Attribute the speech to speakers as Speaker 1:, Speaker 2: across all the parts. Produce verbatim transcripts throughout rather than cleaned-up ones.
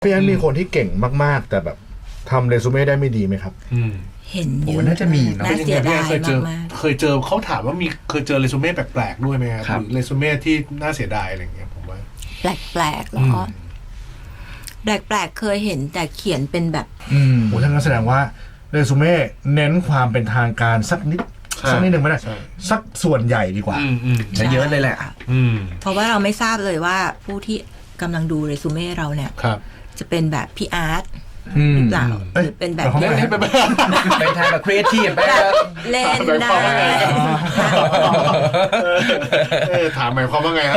Speaker 1: พี่แอนมีคนที่เก่งมากๆแต่แบบทำเรซูเม่ได้ไม่ดีไหมครับ
Speaker 2: เห็นเยอะ
Speaker 3: น่าจะมีเนาะ
Speaker 2: น่าเสียดาย
Speaker 4: เคยเจอ
Speaker 2: มาก
Speaker 4: เคยเจอเขาถามว่ามีเคยเจอเรซูเม่แปลกๆด้วยไหมครับ
Speaker 3: ครับ
Speaker 4: หรือเรซูเม่ที่น่าเสียดายอะไรอย่างเงี้ยผมว่า
Speaker 2: ๆแปลกๆเหรอแปลกๆเคยเห็นแต่เขียนเป็นแบบ
Speaker 3: อืม
Speaker 1: โอ้ท่านก็แสดงว่าเรซูเม่เน้นความเป็นทางการสักนิดสักนิดหนึ่งไม่ได้สักส่วนใหญ่ดีกว่า
Speaker 4: อืมอืม
Speaker 3: จะเยอะเลยแหละ
Speaker 4: อืม
Speaker 2: เพราะว่าเราไม่ทราบเลยว่าผู้ที่กำลังดูเรซูเม่เราเนี่ย
Speaker 4: ครับ
Speaker 2: จะเป็นแบบพี่อาร์ต
Speaker 3: อืม
Speaker 2: หรือเปล่า
Speaker 1: เอ้ย
Speaker 2: หรือเป็นแบบ
Speaker 1: เราเข้าใจ
Speaker 4: ไม่ไม่ไม่
Speaker 3: เป็นทางแบบครีเอทีฟไป
Speaker 2: แบ
Speaker 3: แบบ บ
Speaker 2: เล่น
Speaker 4: หมายค
Speaker 2: ได้
Speaker 4: วามว่าไง เออถามหมายความว่าไงครับ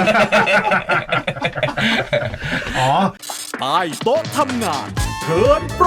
Speaker 1: อ๋อ
Speaker 5: ใต้โต๊ะทำงานเทิร์นโปร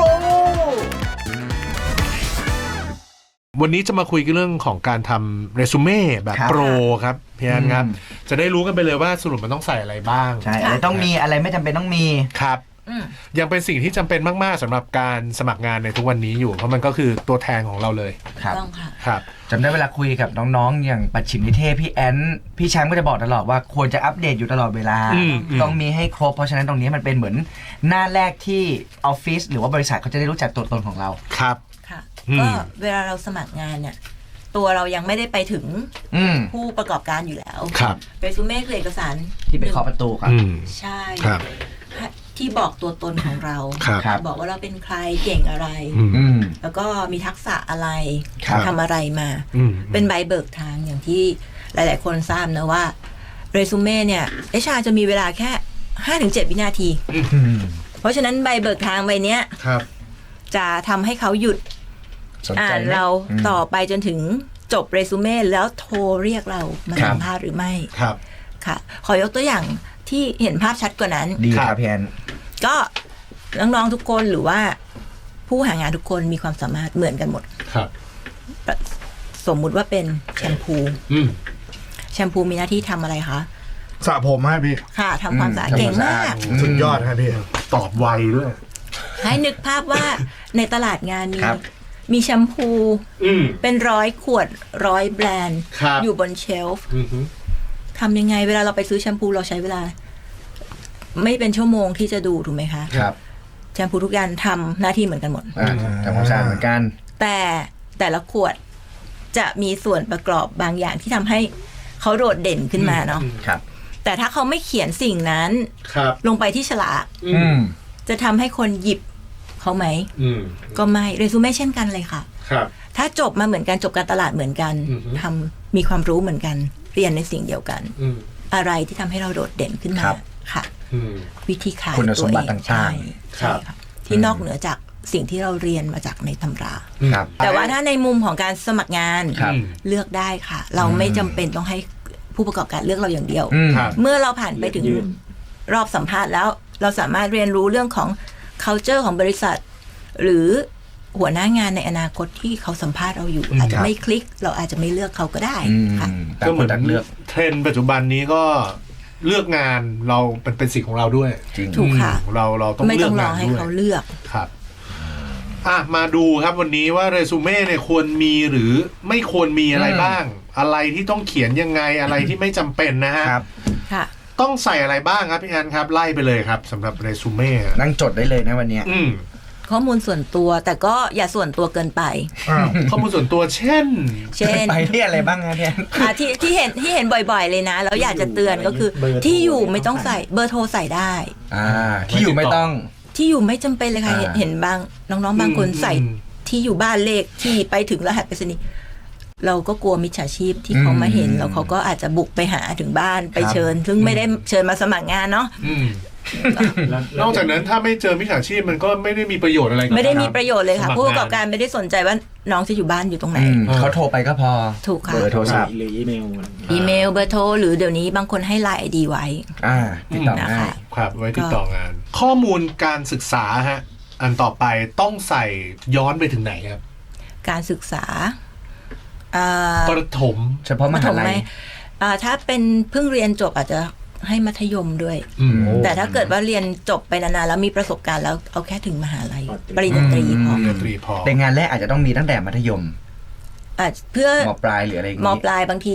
Speaker 4: วันนี้จะมาคุยกันเรื่องของการทำเรซูเม่แบบ
Speaker 3: ครับ
Speaker 4: โปรครับพี่แอนครับ
Speaker 3: อืม
Speaker 4: จะได้รู้กันไปเลยว่าสรุปมันต้องใส่อะไรบ้าง
Speaker 3: ใช่อะไรต้องมีอะไรไม่จำเป็นต้องมี
Speaker 4: ครับ
Speaker 2: อืม
Speaker 4: ยังเป็นสิ่งที่จำเป็นมากๆสำหรับการสมัครงานในทุกวันนี้อยู่ เพราะมันก็คือตัวแทนของเราเลย
Speaker 3: ครับ
Speaker 2: ต้องค่ะ
Speaker 4: ครับ
Speaker 3: จำได้เวลาคุยกับน้องๆ อย่างปัจฉิมนิเทศพี่แอนพี่แชมป์ก็จะบอกตลอดว่าควรจะอัปเดตอยู่ตลอดเวลา
Speaker 4: อืมอืม
Speaker 3: ต้องมีให้ครบ เพราะฉะนั้นตรงนี้มันเป็นเหมือนหน้าแรกที่ออฟฟิศหรือว่าบริษัทเขาจะได้รู้จักตัวตนของเรา
Speaker 4: ครับ
Speaker 2: ค่ะ
Speaker 4: อืม
Speaker 2: ก็เวลาเราสมัครงานเนี่ย ตัวเรายังไม่ได้ไปถึง
Speaker 3: อืม
Speaker 2: ผู้ประกอบการอยู่แล้ว
Speaker 4: ครับ
Speaker 2: เรซูเม่คือเอกสาร
Speaker 3: ที่ไปเคาะประตูครับ
Speaker 4: อืม
Speaker 2: ใช่
Speaker 4: ครับ
Speaker 2: ที่บอกตัวตนของเรา
Speaker 4: ครับ
Speaker 3: ครับ
Speaker 2: บอกว่าเราเป็นใครเก่งอะไร
Speaker 4: อืม
Speaker 3: อืม
Speaker 2: แล้วก็มีทักษะอะไร
Speaker 3: ครับ
Speaker 2: ทำอะไรมา
Speaker 4: อืม
Speaker 2: เป็นใบเบิกทางอย่างที่หลาย ๆ คนทราบนะว่าเรซูเม่เนี่ยเอชอาร์จะมีเวลาแค่ ห้าถึงเจ็ด วินาที
Speaker 3: อืม
Speaker 2: เพราะฉะนั้นใบเบิกทางใบเนี้ย
Speaker 4: ครับ
Speaker 2: จะทำให้เขาหยุด
Speaker 3: สนใจ
Speaker 2: อ่าน
Speaker 3: ไหม
Speaker 2: เรา
Speaker 3: อืม
Speaker 2: ต่อไปจนถึงจบเรซูเม่แล้วโทรเรียกเรามา
Speaker 3: ครับ
Speaker 2: สัมภาษณ์หรือไม่
Speaker 4: ครับ
Speaker 2: ค่ะ ขอยกตัวอย่างที่เห็นภาพชัดกว่านั้น
Speaker 3: ดีค
Speaker 4: ครั
Speaker 3: รับบ พี่แอน
Speaker 2: ก็น้องๆทุกคนหรือว่าผู้หางานทุกคนมีความสามารถเหมือนกันหมด
Speaker 4: ครับ
Speaker 2: สมมุติว่าเป็นแชมพู
Speaker 4: อืม
Speaker 2: แชมพูมีหน้าที่ทำอะไรคะ
Speaker 1: สระผมให้พี่
Speaker 2: ค่ะทำความสะอาด
Speaker 3: อืม
Speaker 2: เก่งมาก
Speaker 1: สุดยอดครับพี่
Speaker 4: ตอบไวด้วย
Speaker 2: ให้นึกภาพว่าในตลาดงานมี
Speaker 3: ครับ
Speaker 2: มีแชมพู
Speaker 4: อืม
Speaker 2: เป็นร้อยขวดร้อยแบรนด์
Speaker 4: ครับ
Speaker 2: อยู่บนเชลฟ์
Speaker 4: อืม
Speaker 2: ทำยังไงเวลาเราไปซื้อแชมพูเราใช้เวลา ไม่เป็นชั่วโมงที่จะดูถูกไหมคะ
Speaker 3: ครับ
Speaker 2: แชมพูทุกอย่างทำหน้าที่เหมือนกันหมด
Speaker 3: อ่าทำความสะอาดเหมือนกัน
Speaker 2: แต่แต่ละขวดจะมีส่วนประกอบบางอย่างที่ทำให้เขาโดดเด่นขึ้นมาเนาะ
Speaker 3: ครับ
Speaker 2: แต่ถ้าเขาไม่เขียนสิ่งนั้น
Speaker 4: ครับ
Speaker 2: ลงไปที่ฉลาก
Speaker 3: อืม
Speaker 2: จะทำให้คนหยิบเขาไหม
Speaker 4: อืม
Speaker 2: ก็ไม่เรซูเม่เช่นกันเลยค่ะ
Speaker 4: ครับ
Speaker 2: ถ้าจบมาเหมือนกันจบการตลาดเหมือนกัน
Speaker 4: อือฮึ
Speaker 2: ทำมีความรู้เหมือนกัน เรียนในสิ่งเดียวกัน
Speaker 4: อืม
Speaker 2: อะไรที่ทำให้เราโดดเด่นขึ้นมา
Speaker 3: ครับ
Speaker 2: ค่ะ
Speaker 4: อืม
Speaker 2: วิธีขาย
Speaker 3: คุณสมบัติ
Speaker 2: วเอ
Speaker 3: ต่างๆ
Speaker 2: ใช่ใช่ค่ะที่นอกเหนือจากสิ่งที่เราเรียนมาจากในตำรา
Speaker 3: ครับ
Speaker 2: แต่ว่าถ้าในมุมของการสมัครงาน
Speaker 3: ครับ
Speaker 2: เลือกได้ค่ะ เราไม่จำเป็นต้องให้ผู้ประกอบการเลือกเราอย่างเดียว
Speaker 3: อืม
Speaker 4: ครับ
Speaker 2: เมื่อเราผ่านไปถึงรอบสัมภาษณ์แล้ว เราสามารถเรียนรู้เรื่องของ culture ของบริษัท หรือหัวหน้างานในอนาคตที่เขาสัมภาษณ์เราอยู่ อาจจะไม่คลิก เราอาจจะไม่เลือกเขาก็ได้
Speaker 3: อืม
Speaker 2: ค่ะ
Speaker 3: แต่
Speaker 4: ก็
Speaker 3: ค
Speaker 4: เหมื
Speaker 3: น
Speaker 4: อน
Speaker 3: ต่างเลือก
Speaker 4: เทรนด์ปัจจุบันนี้ก็เลือกงานเราเป็นเป็นสิ่งของเราด้วย
Speaker 3: จริง
Speaker 2: ถูกค่ะ
Speaker 4: อืมเราเราต้อง
Speaker 2: ไม่
Speaker 4: เลื
Speaker 2: ต้
Speaker 4: อ
Speaker 2: อก งรอง
Speaker 4: าน
Speaker 2: ให้
Speaker 4: ด้วย
Speaker 2: เขาเลือก
Speaker 4: ครับอ่ะมาดูครับวันนี้ว่าเรซูเม่เนี่ยควรมีหรือไม่ควรมีอะไร
Speaker 3: อืม
Speaker 4: บ้าง อะไรที่ต้องเขียนยังไงอะไรที่ไม่จำเป็นนะฮะ
Speaker 3: ครับ
Speaker 2: ค่ะ
Speaker 4: ต้องใส่อะไรบ้างครับพี่แอนครับไล่ไปเลยครับสำหรับเรซูเม่
Speaker 3: นั่งจดได้เลยนะวันเนี้ย
Speaker 4: อืม
Speaker 2: ข้อมูลส่วนตัวแต่ก็อย่าส่วนตัวเกินไป
Speaker 1: อ้าว
Speaker 4: ข้อมูลส่วนตัวเช่น
Speaker 2: เช่น
Speaker 3: ไปที่อะไรบ้างนะพี่แอน
Speaker 2: อ่ะที่ที่เห็นที่เห็นบ่อยๆเลยนะ แล้วอยากจะเตือนก็คือ ที่อยู่ไม่ต้องใส่เบอร์โทรใส่ได้
Speaker 3: อ่า ที่อยู่ไม่ต้อง
Speaker 2: ที่อยู่ไม่จำเป็นเลยค่ะ
Speaker 3: อ่า
Speaker 2: เห็นเห็นบางน้องๆบางคน
Speaker 4: อืม
Speaker 2: ใส่
Speaker 4: อืม
Speaker 2: ที่อยู่บ้านเลขที่ไปถึงรหัสไปรษณีย์เราก็กลัวมิจฉาชีพที่เขามาเห็น
Speaker 3: อืม
Speaker 2: แล้วเขาก็อาจจะบุกไปหาถึงบ้านไป
Speaker 3: ครับ
Speaker 2: เชิญ ซึ่งไม่ได้เชิญมาสมัครงานเนาะ
Speaker 4: อืมนอกจากนั้นถ้าไม่เจอมิจฉาชีพมันก็ไม่ได้มีประโยชน์อะไรกับ
Speaker 2: ไม่ได้มี
Speaker 4: กา
Speaker 2: ประโยชน์เลยค่ะ
Speaker 4: สมัค
Speaker 2: ผู้ประกอบการไม่ได้สนใจว่าน้องจะอยู่บ้านอยู่ตรงไหน
Speaker 3: อืมเขาโทรไปก็พอ
Speaker 2: ถูกค่ะ
Speaker 3: เบอร์โทรศัพท์
Speaker 5: หรืออีเมล
Speaker 2: อีเมลเบอร์โทรหรือเดี๋ยวนี้บางคนให้ไลน์ไอดีไว้
Speaker 3: อ่า ติดต่อ
Speaker 2: นะ
Speaker 3: ง่า
Speaker 2: คะ
Speaker 3: ย
Speaker 4: ครับไว้ติดต่องาน ข้อมูลการศึกษาฮะอันต่อไปต้องใส่ย้อนไปถึงไหนครับ
Speaker 2: การศึกษาอ่า
Speaker 4: ประถม
Speaker 3: เฉพาะมหาลัย
Speaker 2: อ่าถ้าเป็นเพิ่งเรียนจบอาจจะให้มัธยมด้วย
Speaker 4: อืม
Speaker 2: แต่ถ้าเกิดว่าเรียนจบไปนานๆแล้วมีประสบการณ์แล้วเอาแค่ถึงมหาลัย ปริญญาตรีพอ
Speaker 4: ปริญญาตรีพอ
Speaker 3: แต่งานแรกอาจจะต้องมีตั้งแต่มัธยม
Speaker 2: อาจเพื่อ
Speaker 3: มปลายหรืออะไรอย่าง
Speaker 2: ม
Speaker 3: งี้
Speaker 2: ปลายบางที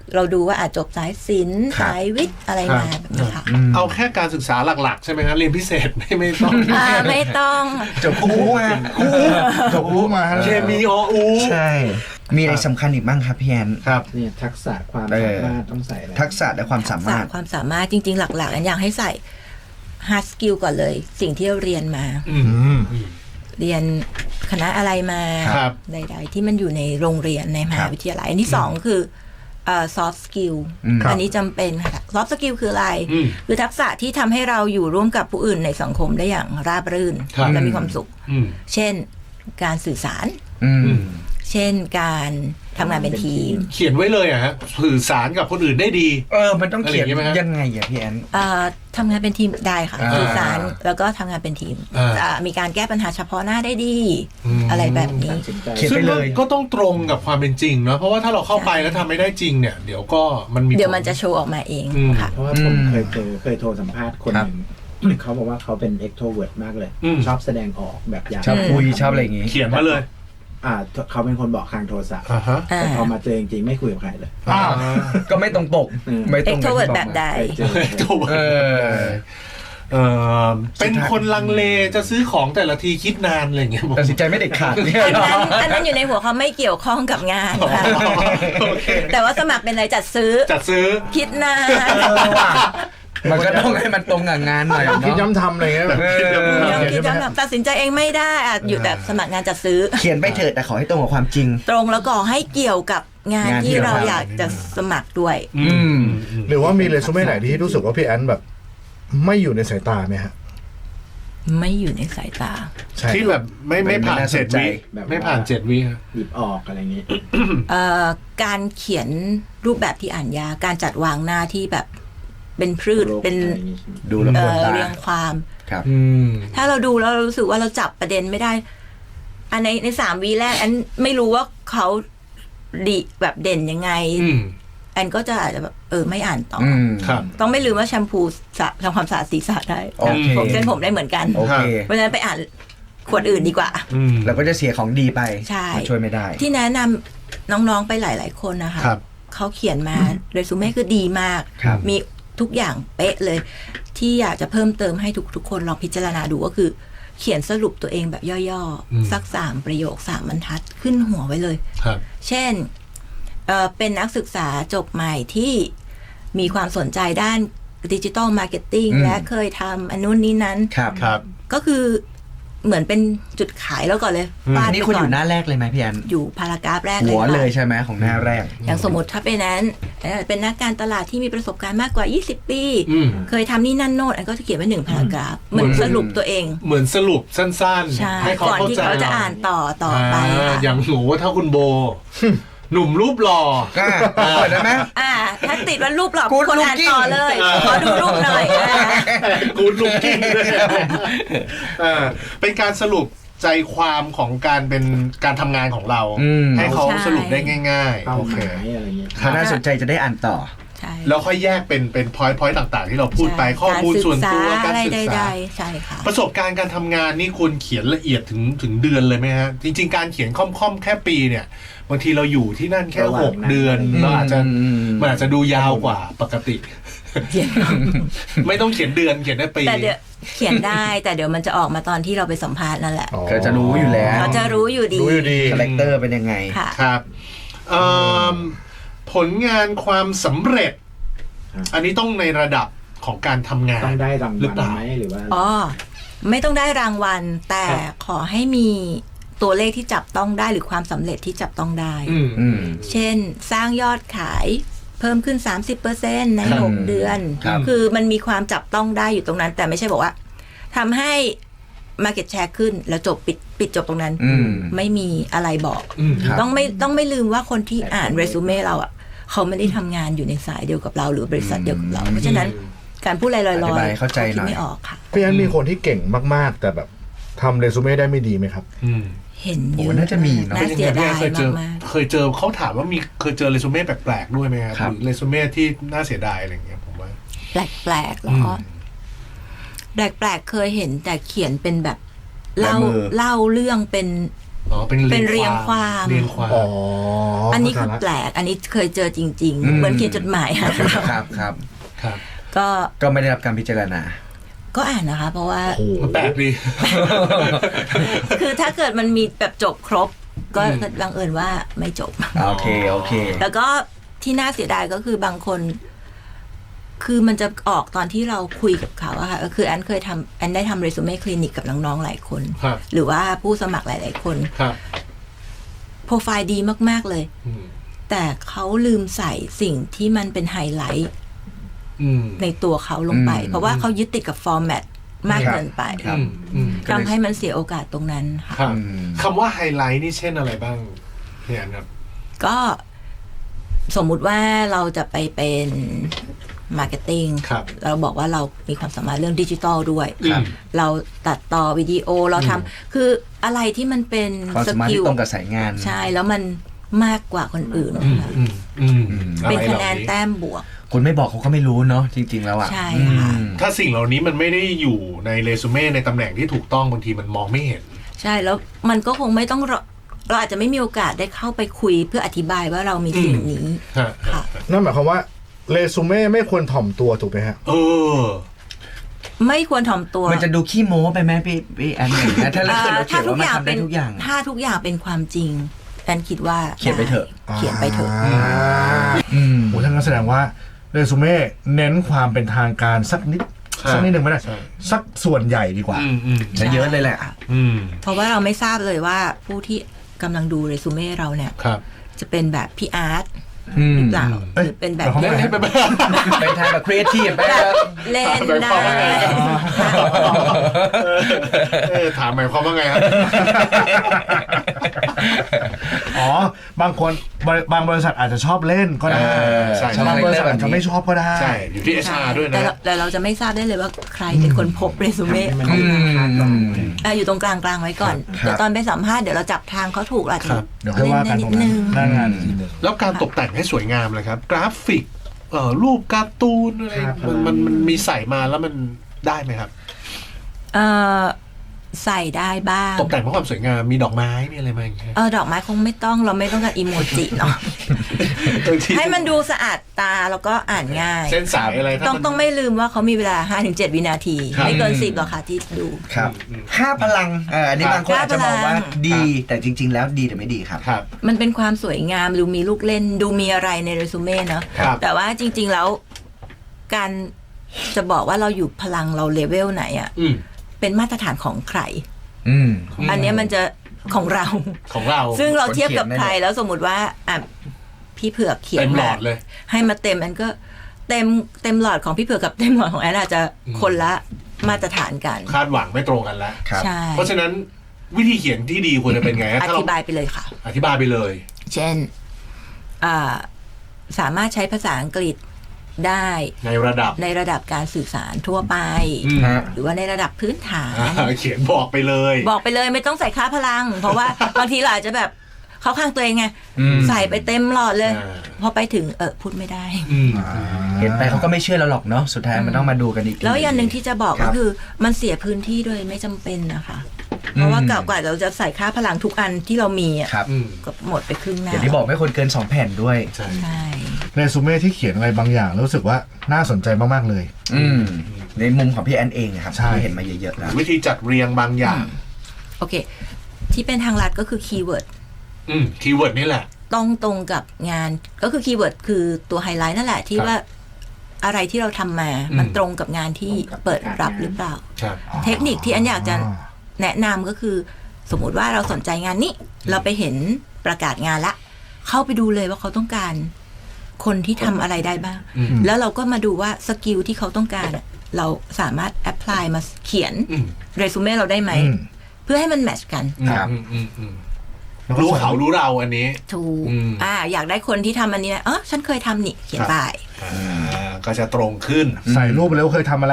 Speaker 2: เราดูว่าอาจจบสายศิลป์
Speaker 3: ครับ
Speaker 2: สายวิทย์อะไรมาแบบนี้ค่ะ
Speaker 4: เอาแค่การศึกษาหลักๆ ใช่ไหมฮะเรียนพิเศษ ไม่ไม่ต้อง
Speaker 2: อ่าไม่ต้อง
Speaker 3: จบครูมาครู
Speaker 1: จบรู้มาฮะ
Speaker 4: เคมีออู
Speaker 3: ใช่ มีอะไรสำคัญอีกบ้างครับพี่แอน
Speaker 4: ครับ
Speaker 6: เนี่ยทักษะความ
Speaker 3: เออ
Speaker 6: สามารถต้องใส่อะไร
Speaker 3: ทักษะและความสามารถ
Speaker 2: ความสามารถจริง ๆ หลักๆอันอยากให้ใส่ hard skill ก่อนเลย สิ่งที่เราเรียนมา
Speaker 4: อืม
Speaker 1: อืม
Speaker 2: เรียนคณะอะไรมา
Speaker 4: ครับ
Speaker 2: ใดๆที่มันอยู่ในโรงเรียนในมหาวิทยาลัย อันที่สองคือเอ่อ soft skill
Speaker 3: อืม
Speaker 1: ครับ
Speaker 2: อันนี้จำเป็นค่ะ soft skill คืออะไร
Speaker 4: อืม
Speaker 2: คือทักษะที่ทำให้เราอยู่ร่วมกับผู้อื่นในสังคมได้อย่างราบรื่น
Speaker 4: ครับ
Speaker 2: และมีความสุข
Speaker 4: อืม
Speaker 2: เช่นการสื่อสาร
Speaker 3: อืม
Speaker 4: อืม
Speaker 2: เช่นการทำงานเป็นทีม
Speaker 4: เขียนไว้เลยอะฮะสื่อสารกับคนอื่นได้ดี
Speaker 3: เออ มันต้องเขียน
Speaker 4: อะไรอย่างงี้ไหมฮะ
Speaker 3: ยังไงอะพี่แอน
Speaker 2: เอ่อทำงานเป็นทีมได้ค่ะ
Speaker 3: อ่า
Speaker 2: สื่อสารแล้วก็ทำงานเป็นทีม
Speaker 4: อ่า
Speaker 2: อ่ามีการแก้ปัญหาเฉพาะหน้าได้ดี
Speaker 4: อืม
Speaker 2: อะไรแบบนี้
Speaker 6: ตัดสินใจ
Speaker 3: เขียน
Speaker 4: ซึ่
Speaker 3: ไป
Speaker 4: ง
Speaker 3: เล
Speaker 4: ก็
Speaker 3: ย
Speaker 4: ก็ต้องตรงกับความเป็นจริงเนอะเพราะว่าถ้าเราเข้าไปแล้วทำไม่ได้จริงเนี่ย เดี๋ยวก็มันมี
Speaker 2: เดี๋ยวมัน
Speaker 4: ผล
Speaker 2: จะโชว์ออกมาเอง
Speaker 4: อืม
Speaker 2: ค่ะ
Speaker 6: เพราะว่าผม
Speaker 3: อืม
Speaker 6: เคยเจอเคยโทรสัมภาษณ์คน
Speaker 3: ครั
Speaker 6: ห
Speaker 3: บ
Speaker 6: นึ่งเขาบอกว่าเขาเป็น extrovert มากเลย
Speaker 4: อืม
Speaker 6: ชอบแสดงออกแบบอยาก
Speaker 3: ชอบคุยชอบอะไรอย่างงี้
Speaker 4: เขียนมาเลย
Speaker 6: อ่าเขาเป็นคนบอกทางโทรศัพท์
Speaker 4: อ่าฮะ
Speaker 2: อ่า
Speaker 6: แต่พอมาเจอจริงๆไม่คุยกับใครเลย
Speaker 3: อ้าวก็ไม่ตรงปก
Speaker 6: อืม
Speaker 3: ไม่ตรง
Speaker 2: extrovert แบบใด
Speaker 6: เคยเจอ
Speaker 4: ถูก
Speaker 3: เออ
Speaker 4: เออเป็นคนลังเลจะซื้อของแต่ละทีคิดนานอะไรอย่างเงี้ยผม
Speaker 3: ตัดสินใจไม่เด็ดขาดเนี่ย
Speaker 2: อันนั้นอันนั้นอยู่ในหัวเขาไม่เกี่ยวข้องกับงานค่ะ
Speaker 4: โอเค
Speaker 2: แต่ว่าสมัครเป็นอะไรจัดซื้อ
Speaker 4: จัดซื้อ
Speaker 2: คิดนาน
Speaker 3: เออว่ะมันก็ต้องให้มันตรงกับงานหน่อย
Speaker 1: คิด
Speaker 3: เนาะ
Speaker 1: ย้ำทำอะไรเงี้ยแบบ
Speaker 3: เออ
Speaker 2: ยัง
Speaker 1: เขียน
Speaker 2: คิด
Speaker 1: ใช่ไหม
Speaker 2: จำแบบตัดสินใจเองไม่ได้อะอยู่แต่สมัครงานจัดซื้อ
Speaker 3: เขียนไปเถิดแต่ขอให้ตรงกับความจริง
Speaker 2: ตรงแล้วก็ให้เกี่ยวกับงาน
Speaker 3: งานที่
Speaker 2: ที่เรา
Speaker 3: เราทำ
Speaker 2: อยากจะสมัครด้วย
Speaker 4: อืม
Speaker 1: หรือว่ามีเรซูเม่ไหนที่รู้สึกว่าพี่แอนแบบ ไม่อยู่ในสายตาไหมฮะ
Speaker 2: ไม่อยู่ในสายตา
Speaker 1: ใช่
Speaker 4: ที่แบบไม่ไม่ผ่าน
Speaker 3: ไม่น่าส
Speaker 4: เจ็ด
Speaker 3: นใจ
Speaker 4: วิ
Speaker 6: แบบว่า
Speaker 4: ไม่ผ่านเจ็ดวิฮะ
Speaker 6: หยิบออกอะไรอย่างงี้
Speaker 2: เอ่อการเขียนรูปแบบที่อ่านยากการจัดวางหน้าที่แบบเป็นพืช
Speaker 6: โรค
Speaker 2: เป็น
Speaker 6: อะไรอย่างงี้ใช่ไหม
Speaker 3: ดูแล้ว
Speaker 2: เอ่
Speaker 3: ปวด
Speaker 2: อ
Speaker 3: ตา
Speaker 2: เรียงความ
Speaker 3: ครับ
Speaker 4: อืม
Speaker 2: ถ้าเราดูแล้วเรารู้สึกว่าเราจับประเด็นไม่ได้ อันในในสามวีแรกอันไม่รู้ว่าเขาดีแบบเด่นยังไง
Speaker 4: อืม
Speaker 2: แอนก็จะอาจจะแบบเออไม่อ่านต่ออ
Speaker 3: อืม
Speaker 4: ครับ
Speaker 2: ต้องไม่ลืมว่าแชมพูสระทำความสะอาดศีรษะได้
Speaker 3: โอเค
Speaker 2: ผมเส้นผมได้เหมือนกัน
Speaker 3: โอเค
Speaker 2: เพราะฉะนั้นไปอ่านขวดอื่นดีกว่า
Speaker 4: อืม
Speaker 3: เราก็จะเสียของดีไป
Speaker 2: ใช่
Speaker 3: มันช่วยไม่ได้
Speaker 2: ที่แนะนำน้องๆไปหลาย ๆ คนนะคะ
Speaker 4: ครับ
Speaker 2: เขาเขียนมาเรซูเม่คือดีมาก
Speaker 3: ครับ
Speaker 2: มีทุกอย่างเป๊ะเลย ที่อยากจะเพิ่มเติมให้ทุกทุกคนลองพิจารณาดูก็คือ เขียนสรุปตัวเองแบบย่อ
Speaker 4: อืม
Speaker 2: ๆ สักสามประโยคสามบรรทัดขึ้นหัวไว้เลย
Speaker 4: ครับ
Speaker 2: เช่นเอ่อเป็นนักศึกษาจบใหม่ที่มีความสนใจด้านดิจิ t a ลมาร์เก็ตติ้ง
Speaker 3: อืม
Speaker 2: และเคยทำอันนู้นนี้นั้น
Speaker 3: ครับ
Speaker 4: ครับ
Speaker 2: ก็คือเหมือนเป็นจุดขายแล้วก่อนเลย
Speaker 4: อืม
Speaker 2: ฟาด
Speaker 3: นี่
Speaker 2: ไป
Speaker 3: คุณอ
Speaker 2: ก่อน
Speaker 3: ยู่หน้าแรกเลยไหมพี่แอน
Speaker 2: อยู่พารากราฟแรกเลย
Speaker 3: หัว
Speaker 2: ค่ะ
Speaker 3: เลยใช่ไหมของหน้าแรก
Speaker 2: อย่างสมมติถ้าเป็นนั้นเอ่อเป็นนักการตลาดที่มีประสบการณ์มากกว่า ยี่สิบ ปี
Speaker 4: อืม
Speaker 2: เคยทำนี่นั่นโน่นอันก็จะเขียนไว้หนึ่งพารากราฟเหมือนสรุปตัวเอง
Speaker 4: เหมือนสรุปสั้น
Speaker 2: ใช่
Speaker 4: ๆ ให้เขา
Speaker 2: ก่อน
Speaker 4: เข้า
Speaker 2: ที่
Speaker 4: ใจ
Speaker 2: เขาจะอ่านต่อต่อไป
Speaker 4: อ่า
Speaker 2: ค่ะ
Speaker 4: อย่างหนูถ้าคุณโบ หนุ่มรูปหล่อ
Speaker 3: ก็เปิดได้ไหม
Speaker 2: อ่า ถ้าติดว่ารูปหลอก
Speaker 3: Good
Speaker 2: คนอ่าน
Speaker 3: looking
Speaker 2: ต่อเลย ขอดูรูปหน่อยอ่า
Speaker 4: กูดลุกกิ้งด้วยอ่าเป็นการสรุปใจความของการเป็นการทำงานของเรา
Speaker 3: อืม
Speaker 4: ให้เขาสรุปได้ง่ายๆ
Speaker 6: เป้า
Speaker 4: โอ
Speaker 6: ห
Speaker 4: เค
Speaker 6: มายอะไรเงี้ย
Speaker 4: ครับ
Speaker 3: น่าสนใจจะได้อ่านต่อ
Speaker 2: ใช่
Speaker 4: แล้วค่อยแยกเป็นเป็นพอยต์พอยต์ต่างๆ ที่เราพูดไปข้อมูลส่วนตัวการศึก
Speaker 2: ใด
Speaker 4: ษา
Speaker 2: ๆใช่ค่ะ
Speaker 4: ประสบการณ์การทำงานนี่ควรเขียนละเอียดถึงถึงเดือนเลยไหมฮะ จริง ๆ การเขียนค่อมๆแค่ปีเนี่ย บางทีเราอยู่ที่นั่นแค่
Speaker 6: ระหว่าง
Speaker 4: หก
Speaker 6: นั้น
Speaker 4: เดือนเราอาจจะ
Speaker 3: อืม
Speaker 4: มันอาจจะดูยาวกว่าปกติ ไม่ต้องเขียนเดือนเขียนได้ปี
Speaker 2: แต่เดี๋ยวเขียนได้ แต่เดี๋ยวมันจะออกมาตอนที่เราไปสัมภาษณ์นั่นแหละ
Speaker 1: อ๋อ
Speaker 3: ก็จะรู้อยู่แล้ว
Speaker 2: เราจะรู้อยู่ดี
Speaker 1: รู้อยู่ดี
Speaker 3: คาแรคเตอร์เป็นยังไง
Speaker 2: ค่ะ
Speaker 4: ครับเอิ่มผลงานความสำเร็จ
Speaker 6: ครับ
Speaker 4: อันนี้ต้องในระดับของการทำงาน
Speaker 6: ต้องได้ราง
Speaker 4: หรือ
Speaker 6: วัล
Speaker 4: เปล่า
Speaker 6: ไหมหรือว่า
Speaker 2: อ๋อ ไม่ต้องได้รางวัล แต่
Speaker 4: ครับ
Speaker 2: ขอให้มีตัวเลขที่จับต้องได้หรือความสำเร็จที่จับต้องได้
Speaker 4: อืม
Speaker 3: อืม
Speaker 2: เช่น สร้างยอดขายเพิ่มขึ้น สามสิบเปอร์เซ็นต์ ใน
Speaker 3: ครับ
Speaker 2: หก เดือน
Speaker 3: ครับ
Speaker 2: คือมันมีความจับต้องได้อยู่ตรงนั้น แต่ไม่ใช่บอกว่าทำให้ Market Share ขึ้นแล้วจบปิดปิดจบตรงนั้น
Speaker 3: อืม
Speaker 2: ไม่มีอะไรบอก
Speaker 4: อืม
Speaker 3: ครับ
Speaker 2: ต้องไม่ต้องไม่ลืมว่าคนที่อ่านเรซูเม่เราอ่ะเขาไม่ได้ทำงานอยู่ในสายเดียวกับเรา หรือบริษัทเดียวกับเรา เพราะฉะนั้นการพูดลอยๆ
Speaker 3: อธิบายเข้าใจหน่อย
Speaker 2: คิดไม่ออกค่ะ
Speaker 1: พี่แอนมีคนที่เก่งมากๆ แต่แบบทำเรซูเม่ได้ไม่ดีไหมครับ
Speaker 4: อืม
Speaker 2: เห็นเย
Speaker 3: โอ้
Speaker 2: อะ
Speaker 3: น่าจะมีเนอะ
Speaker 2: น่าเสียดาย
Speaker 4: เคยเจอ
Speaker 2: มาก
Speaker 4: เคยเจอเขาถามว่ามีเคยเจอเรซูเม่แปลกๆด้วยไหมครับ
Speaker 3: ครับ
Speaker 4: หรือเรซูเม่ที่น่าเสียดายอะไรอย่างเงี้ยผมว่า
Speaker 2: ๆแปลกๆแล้วก็แปลกๆเคยเห็นแต่เขียนเป็นแบบเล่า
Speaker 3: ลายมือ
Speaker 2: เล่าเรื่องเป็น
Speaker 4: อ๋อเป็น
Speaker 2: เป็นเรียงความ
Speaker 4: เรียงความ
Speaker 1: อ๋อ
Speaker 2: อั
Speaker 1: อั
Speaker 2: นนี้คือแปลก อันนี้เคยเจอจริง ๆ เหมือนเขียนจดหมายหาเรา
Speaker 3: ครับครับ
Speaker 4: ครับ
Speaker 2: ก็
Speaker 3: ก็ไม่ได้รับการพิจารณา
Speaker 2: ก็อ่านนะคะ เพราะว่า
Speaker 1: โอ้โห
Speaker 4: มันแปลกดี
Speaker 2: คือถ้าเกิดมันมีแบบจบครบ ก็
Speaker 4: อืม
Speaker 2: บังเอิญว่าไม่จบ
Speaker 3: โอเคโอเค
Speaker 2: แล้วก็ที่น่าเสียดายก็คือบางคน คือมันจะออกตอนที่เราคุยกับเขาอะค่ะก็คือแอนเคยทำแอนได้ทำเรซูเม่คลินิกกับน้องๆหลายคน
Speaker 4: ครับ
Speaker 2: หรือว่าผู้สมัครหลายๆคน
Speaker 4: ครับ
Speaker 2: โปรไฟล์ดีมากๆเลย
Speaker 4: อืม
Speaker 2: แต่เขาลืมใส่สิ่งที่มันเป็นไฮไลท์
Speaker 4: อืม
Speaker 2: ในตัวเขาลงไป
Speaker 3: อืม
Speaker 2: เพราะว่าเขายึดติดกับฟอร์แมตมาก
Speaker 3: ครับ
Speaker 2: เกินไป
Speaker 3: ครับ
Speaker 4: อืมอืม
Speaker 2: ทำให้มันเสียโอกาสตรงนั้นค่ะ
Speaker 4: ครับ
Speaker 3: อืม
Speaker 4: คำว่าไฮไลท์นี่เช่นอะไรบ้างเนี่ยครับ
Speaker 2: ก็สมมุติว่าเราจะไปเป็นมาร์เก็ตติ้ง
Speaker 4: ครับ
Speaker 2: เราบอกว่าเรามีความสามารถเรื่องดิจิทัลด้วย
Speaker 4: ครับ
Speaker 2: เราตัดต่อวิดีโอเราทำคืออะไรที่มันเป็น
Speaker 3: ความ
Speaker 2: ส
Speaker 3: สามารถ
Speaker 2: กิ
Speaker 3: ที่
Speaker 2: ล
Speaker 3: ตรงกับสายงาน
Speaker 2: ใช่แล้วมันมากกว่าคนอื่น
Speaker 4: อืม
Speaker 2: ค่ะ
Speaker 4: อืมอืม
Speaker 3: อืม
Speaker 4: อ
Speaker 2: เป็น
Speaker 4: ไร
Speaker 2: คะ
Speaker 4: หล่า
Speaker 2: แนนแต้มบวก
Speaker 3: คุณไม่บอกเขาก็ไม่รู้เนาะจริง ๆ แล้วอ่ะ
Speaker 2: ใช่
Speaker 3: อื
Speaker 2: ค่ะ
Speaker 3: ม
Speaker 4: ถ้าสิ่งเหล่านี้มันไม่ได้อยู่ในเรซูเม่ในตำแหน่งที่ถูกต้องบางทีมันมองไม่เห็น
Speaker 2: ใช่แล้วมันก็คงไม่ต้องรอเราอาจจะไม่มีโอกาสได้เข้าไปคุยเพื่ออธิบายว่าเรามีสิ่งนี้
Speaker 4: ฮะ
Speaker 2: ค่ะ
Speaker 1: นั่นหมายความว่าเรซูเม่ไม่ควรถ่อมตัวถูกไหมฮะ
Speaker 4: เออ
Speaker 2: ไม่ควรถ่อมตัว
Speaker 3: มันจะดูขี้โม้ไปไหมพี่พี่แอนอย่างเงี้ยถ้าเรา
Speaker 2: เอ่อ
Speaker 3: เขียนว่ามันทำได้
Speaker 2: เป็น
Speaker 3: ทุกอย่าง
Speaker 2: ถ้าทุกอย่างเป็นความจริงแอนคิดว่า
Speaker 3: เขียนไปเถอะ
Speaker 2: ด้เขียนไปเถอะ
Speaker 1: อ่า
Speaker 3: อืม
Speaker 1: โอ้ท่านก็แสดงว่าเรซูเม่เน้นความเป็นทางการสักนิด
Speaker 4: ใช่
Speaker 1: สักนิดหนึ่งไม่ได้
Speaker 4: ใช่
Speaker 1: สักส่วนใหญ่ดีกว่า
Speaker 4: อืมอืม
Speaker 3: จะเยอะเลยแหละ
Speaker 4: อืม
Speaker 2: เพราะว่าเราไม่ทราบเลยว่าผู้ที่กำลังดูเรซูเม่เราเนี่ย
Speaker 4: ครับ
Speaker 2: จะเป็นแบบพี่อาร์ต
Speaker 3: อืม
Speaker 2: หรือเปล่า
Speaker 1: เอ้ย
Speaker 2: หรือเป็นแบบ
Speaker 1: แต่เขาไม่
Speaker 4: เล่นไปบ้าง
Speaker 3: เป็นทางแบบครีเอทีฟไปแล้ว
Speaker 2: เล่นได้
Speaker 4: เออถามหมายความว่าไงครับ
Speaker 1: อ๋อบางคนบริบางบริษัทอาจจะชอบเล่นก็ได้
Speaker 3: เออ
Speaker 4: ใช่
Speaker 1: บางบริษัทอาจจะไม่ชอบก็ได้
Speaker 4: ใช่ อยู่ที่เอชอาร์ด้วยนะ
Speaker 2: แต่เราแต่เราจะไม่ทราบได้เลยว่าใครเป็นคนพบเรซูเม่
Speaker 6: ให้มัน
Speaker 3: อืม
Speaker 2: อ่ะอยู่ตรงกลางกลางๆไว้ก่อน
Speaker 3: ครับ
Speaker 2: เดี๋ยวตอนไปสัมภาษณ์เดี๋ยวเราจับทางเขาถูกเราอาจจะ
Speaker 4: ครับ
Speaker 1: เดี๋ยวค่อยว่ากันตรงนั้นหน้างานอีกทีหนึ่ง
Speaker 4: แล้วการตกแต่งให้สวยงามเลยครับ กราฟิกเอ่อรูปการ์ตูนอะไร
Speaker 6: ครับ
Speaker 4: มันมันมันมีใส่มาแล้วมันได้ไหมครับ
Speaker 2: เอ่อใส่ได้บ้าง
Speaker 4: ตกแต่งเพื่อความสวยงามมีดอกไม้มีอะไรมาอย่างเงี้ย
Speaker 2: เออดอกไม้คงไม่ต้องเราไม่ต้องการอีโมจิเนาะ
Speaker 4: บางที
Speaker 2: ให้มันดูสะอาดตาแล้วก็อ่านง่าย
Speaker 4: เส้นสายอะไรถ้า
Speaker 2: ต้อง
Speaker 4: มัน
Speaker 2: ต้องไม่ลืมว่าเขามีเวลา ห้าถึงเจ็ด วินาที
Speaker 4: ครับ
Speaker 2: ไม่เกินสิบหรอกค่ะที่ดู
Speaker 3: ครับห้าพลังเอออันนี้
Speaker 4: ครับ
Speaker 3: บางคนอาจจะมองว่า
Speaker 2: ห้าพลัง
Speaker 3: ดี แต่จริง ๆ แล้วดีแต่ไม่ดีครับ
Speaker 4: ครับ
Speaker 2: มันเป็นความสวยงามดูมีลูกเล่น ดูมีอะไรในเรซูเม่เนาะ
Speaker 4: ครับ
Speaker 2: แต่ว่าจริง ๆ แล้ว การจะบอกว่าเราอยู่พลังเราเลเวลไหนอะ
Speaker 4: อืม
Speaker 2: เป็นมาตรฐานของใคร
Speaker 3: อืม
Speaker 2: อันเนี้ยมันจะของเรา
Speaker 4: ของเรา
Speaker 2: ซึ่งเราเทียบกับ
Speaker 3: คนเขียน
Speaker 2: ใคร
Speaker 3: ได้เลย
Speaker 2: แล้วสมมติว่าอ่ะพี่เผือกเขียน
Speaker 4: เต็มหล
Speaker 2: มา
Speaker 4: อดเลย
Speaker 2: ให้มาเต็มอันก็เต็มเต็มหลอดของพี่เผือกกับเต็มหลอดของแอนอาจจะคนละมาตรฐานกัน
Speaker 4: คาดหวังไม่ตรงกันแล้ว
Speaker 3: ครับ
Speaker 2: ใช่
Speaker 4: เพราะฉะนั้นวิธีเขียนที่ดีควรจะเป็นไงฮะ
Speaker 2: อ
Speaker 4: ถ้าเรา
Speaker 2: ธิบายไปเลยค่ะ
Speaker 4: อธิบายไปเลย
Speaker 2: เช่นอ่าสามารถใช้ภาษาอังกฤษได้
Speaker 4: ในระดับ
Speaker 2: ในระดับการสื่อสารทั่วไป
Speaker 4: อืม
Speaker 3: ฮะ
Speaker 2: หรือว่าในระดับพื้นฐาน
Speaker 4: อ่าเขียนบอกไปเลย
Speaker 2: บอกไปเลยไม่ต้องใส่ค่าพลัง เพราะว่า บางทีเราอาจจะแบบเข้าข้างตัวเองไง
Speaker 3: อืม
Speaker 2: ใส่ไปเต็มหลอดเลย
Speaker 4: อ่า
Speaker 2: พอไปถึงเออพูดไม่ได้
Speaker 4: อืม
Speaker 3: เห็นไปเขาก็ไม่เชื่อเราหรอกเนาะสุดท้ายมันต้องมาดูกันอีกที
Speaker 2: แล้วอย่างหนึ่งที่จะบอก
Speaker 3: ครั
Speaker 2: ก็
Speaker 3: บ
Speaker 2: คือมันเสียพื้นที่โดยไม่จำเป็นนะคะ เพราะว่า
Speaker 3: อืม
Speaker 2: กว่าเราจะใส่ค่าพลังทุกอันที่เรามีอ่ะ
Speaker 3: ครับ
Speaker 4: อืม
Speaker 2: ก็หมดไปครึ่งหน้า
Speaker 3: อย่างที่บอกไม่ควรเกินสองแผ่นด้วย
Speaker 4: ใช่
Speaker 2: ใช่
Speaker 1: เรซูเม่ที่เขียนอะไรบางอย่างแล้วรู้สึกว่าน่าสนใจมากๆเลย
Speaker 3: อืมในมุมของพี่แอนเองนะครับ
Speaker 1: ใช่
Speaker 3: ที่เห็นมาเยอะๆแล้ว
Speaker 4: วิธีจัดเรียงบางอย่าง
Speaker 2: โอเค ที่เป็นทางลัดก็คือคีย์เวิร์ด
Speaker 4: อืมคีย์เวิร์ดนี่แหละ
Speaker 2: ต้องตรงกับงานก็คือคีย์เวิร์ดคือตัวไฮไลท์นั่นแหละที่
Speaker 4: ครับ
Speaker 2: ว่าอะไรที่เราทำมา
Speaker 4: อืม
Speaker 2: มันตรงกับงานที่เปิดรับหรือเปล่า
Speaker 4: ครับ
Speaker 2: เทคนิคที่อันอยากจะแนะนำก็คือ สมมุติว่าเราสนใจงานนี้ เราไปเห็นประกาศงานละ เข้าไปดูเลยว่าเขาต้องการ คนที่ทำอะไรได้บ้าง
Speaker 4: อืม
Speaker 2: แล้วเราก็มาดูว่าสกิลที่เขาต้องการอะเราสามารถแอพพลายมาเขียน
Speaker 4: อืม
Speaker 2: เรซูเม่เราได้ไหม
Speaker 1: อืม
Speaker 2: เพื่อให้มันแมทช์กัน
Speaker 3: ครับ
Speaker 4: อืมอืมอืม
Speaker 1: แล้วก็
Speaker 4: รู้
Speaker 1: ใส่
Speaker 4: เขารู้เราอันนี้
Speaker 2: ถูก
Speaker 4: อืม
Speaker 2: อ่า อยากได้คนที่ทำอันนี้นะเออฉันเคยทำนี่เขียนไป
Speaker 4: อ่าก็จะตรงขึ้น
Speaker 1: ใส่รูปไปแล้วเคยทำมาแล้ว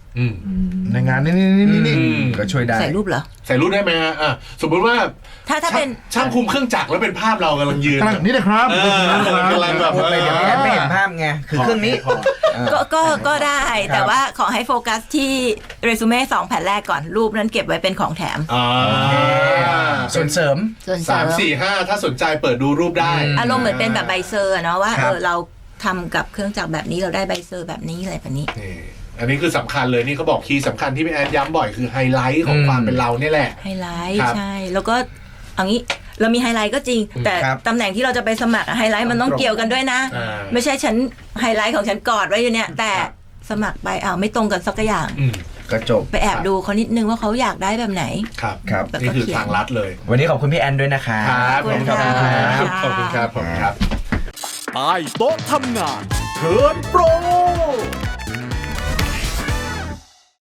Speaker 4: อืม
Speaker 6: อืม
Speaker 1: ในงานนี่นี่นี่นี่
Speaker 4: อืม
Speaker 1: ก็ช่วยได้
Speaker 2: ใส่รูปเหรอ
Speaker 4: ใส่รูปได้ไหมฮะอ่ะสมมุติว่า
Speaker 2: ถ้าถ้าเป็น
Speaker 4: ช่างคุมเครื่องจักรแล้วเป็นภาพเรากำลังยืน
Speaker 1: กำลังนี่นะครับ
Speaker 4: เออ
Speaker 1: นี่นะครับ
Speaker 4: กำลังแบบ
Speaker 3: พูดไปเดี๋ยวพี่แอนไม่เห็นภาพไงคือเครื่องนี้
Speaker 6: พอ
Speaker 2: ก็ก็ก็ได้
Speaker 3: ครับ
Speaker 2: แต่ว่าขอให้โฟกัสที่เรซูเม่สองแผ่นแรกก่อนรูปนั้นเก็บไว้เป็นของแถม
Speaker 4: อ่า
Speaker 3: ส่วนเสริม
Speaker 2: ส่วนเส
Speaker 4: สา
Speaker 2: ริ
Speaker 4: ม
Speaker 2: ม
Speaker 4: สี่ห้าถ้าสนใจเปิดดูรูปได้
Speaker 3: อืม
Speaker 2: อารมณ์เหมือนเป็นแบบใบเซอร์อะเนาะว่า
Speaker 3: ครั
Speaker 2: เอบ อเราทำกับเครื่องจักรแบบนี้เราได้ใบเซอร์แบบนี้อะไรแบบนี้
Speaker 4: นี่อันนี้คือสำคัญเลยนี่เขาบอกคีย์สำคัญที่พี่แอนย้ำบ่อยคือไฮไลท์ของ
Speaker 3: อืม
Speaker 4: ความเป็นเราเนี่ยแหละ
Speaker 2: ไฮไลท์
Speaker 4: ครับ
Speaker 2: ใช่ แล้วก็เอางี้เรามีไฮไลท์ก็จริง แต่
Speaker 3: ครับ
Speaker 2: ตำแหน่งที่เราจะไปสมัครอะไฮไลท์มันต้องเกี่ยวกันด้วยนะ
Speaker 4: อ่า
Speaker 2: ไม่ใช่ฉันไฮไลท์ของฉันกอดไว้อยู่เนี่ย แต่สมัครไปอ้าวไม่ตรงกันสักอย่าง
Speaker 4: อืม
Speaker 3: ก็จบ
Speaker 2: ไปแอบดูเขานิดนึงว่าเขาอยากได้แบบไหน
Speaker 4: ครับ
Speaker 3: ครับ
Speaker 4: นี่คือทางลัดเลย
Speaker 3: วันนี้ขอบคุณพี่แอนด้วยนะคะ
Speaker 4: ครับ
Speaker 2: ขอบคุณครับ
Speaker 4: ขอบคุณครับขอบคุณครับ
Speaker 5: ใต้โต๊ะทำงานเทิร์นโปร